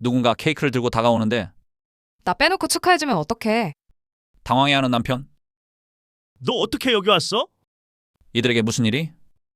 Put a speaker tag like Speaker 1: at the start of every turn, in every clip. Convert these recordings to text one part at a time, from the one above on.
Speaker 1: 누군가 케이크를 들고 다가오는데
Speaker 2: 나 빼놓고 축하해주면 어떡해.
Speaker 1: 당황해하는 남편.
Speaker 3: 너 어떻게 여기 왔어?
Speaker 1: 이들에게 무슨 일이?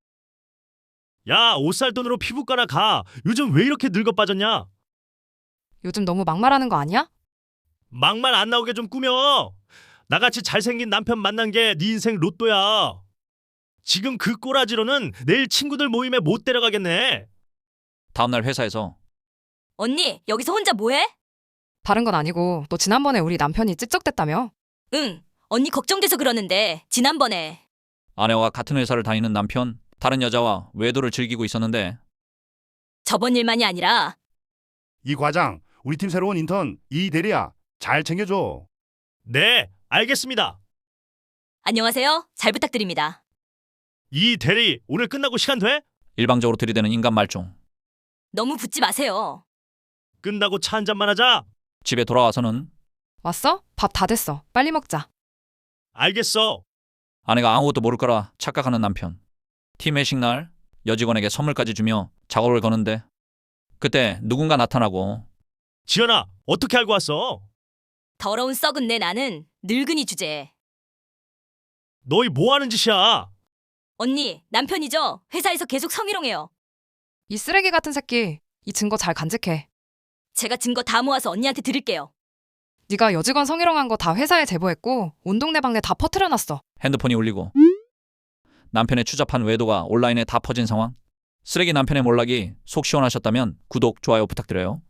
Speaker 3: 야, 옷 살 돈으로 피부과나 가. 요즘 왜 이렇게 늙어 빠졌냐?
Speaker 2: 요즘 너무 막말하는 거 아니야?
Speaker 3: 막말 안 나오게 좀 꾸며. 나같이 잘생긴 남편 만난 게 네 인생 로또야. 지금 그 꼬라지로는 내일 친구들 모임에 못 데려가겠네.
Speaker 1: 다음날 회사에서
Speaker 4: 언니, 여기서 혼자 뭐해?
Speaker 2: 다른 건 아니고 너 지난번에 우리 남편이 찝쩍댔다며?
Speaker 4: 응, 언니 걱정돼서 그러는데 지난번에
Speaker 1: 아내와 같은 회사를 다니는 남편, 다른 여자와 외도를 즐기고 있었는데
Speaker 4: 저번 일만이 아니라
Speaker 5: 이 과장, 우리 팀 새로운 인턴 이 대리야. 잘 챙겨줘.
Speaker 3: 네, 알겠습니다.
Speaker 4: 안녕하세요. 잘 부탁드립니다.
Speaker 3: 이 대리, 오늘 끝나고 시간 돼?
Speaker 1: 일방적으로 들이대는 인간 말종.
Speaker 4: 너무 붙지 마세요.
Speaker 3: 끝나고 차 한 잔만 하자.
Speaker 1: 집에 돌아와서는
Speaker 2: 왔어? 밥 다 됐어. 빨리 먹자.
Speaker 3: 알겠어.
Speaker 1: 아내가 아무것도 모를 거라 착각하는 남편. 팀 회식 날 여직원에게 선물까지 주며 작업을 거는데 그때 누군가 나타나고
Speaker 3: 지연아, 어떻게 알고 왔어?
Speaker 4: 더러운 썩은 내 나는 늙은이 주제에.
Speaker 3: 너희 뭐 하는 짓이야?
Speaker 4: 언니, 남편이죠? 회사에서 계속 성희롱해요.
Speaker 2: 이 쓰레기 같은 새끼. 이 증거 잘 간직해.
Speaker 4: 제가 증거 다 모아서 언니한테 드릴게요.
Speaker 2: 네가 여직원 성희롱한 거 다 회사에 제보했고 온 동네 방네 다 퍼뜨려놨어.
Speaker 1: 핸드폰이 울리고 남편의 추잡한 외도가 온라인에 다 퍼진 상황. 쓰레기 남편의 몰락이 속 시원하셨다면 구독, 좋아요 부탁드려요.